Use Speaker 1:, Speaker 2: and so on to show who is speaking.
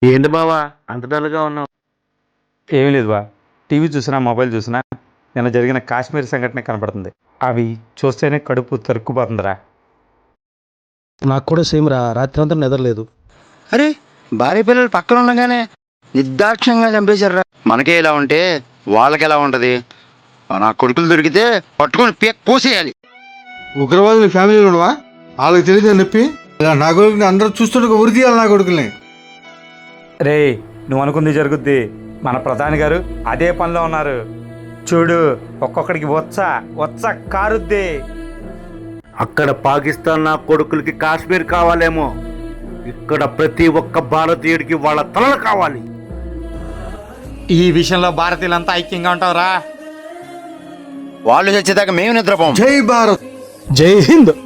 Speaker 1: ఏంటి బావా అంత డల్గా ఉన్నావు?
Speaker 2: ఏమీ లేదు బా. టీవీ చూసినా మొబైల్ చూసినా నిన్న జరిగిన కాశ్మీర్ సంఘటన కనపడుతుంది. అవి చూస్తేనే కడుపు తరుక్కుపోతుందిరా.
Speaker 3: నాకు కూడా సేమ్ రా, రాత్రి అంతా నిద్రలేదు.
Speaker 4: అరే, భార్య పిల్లలు పక్కన ఉండగానే నిర్దాక్ష్యంగా చంపేశారు రా. మనకే ఇలా ఉంటే వాళ్ళకి ఎలా ఉంటది? నా కొడుకులు దొరికితే పట్టుకొని కోసేయాలి.
Speaker 5: ఉగ్రవాదులు ఫ్యామిలీలో ఉండవా? వాళ్ళకి తెలియదు నొప్పి. ఇలా నా కొడుకుని అందరూ చూస్తుంటే ఉరి తీయాలి నా కొడుకుల్ని.
Speaker 2: రే, నువ్వు అనుకుంది జరుగుద్ది. మన ప్రధాని గారు అదే పనిలో ఉన్నారు. చూడు, ఒక్కొక్కడికి వచ్చ కారుద్ది.
Speaker 1: అక్కడ పాకిస్తాన్ నా కొడుకులకి కాశ్మీర్ కావాలేమో, ఇక్కడ ప్రతి ఒక్క భారతీయుడికి వాళ్ళ తలలు కావాలి.
Speaker 2: ఈ విషయంలో భారతీయులంతా ఐక్యంగా ఉంటావురా.
Speaker 4: వాళ్ళు చచ్చేదాకా మేము నిద్రపోం.
Speaker 5: జై భారత్.
Speaker 3: జై హింద్.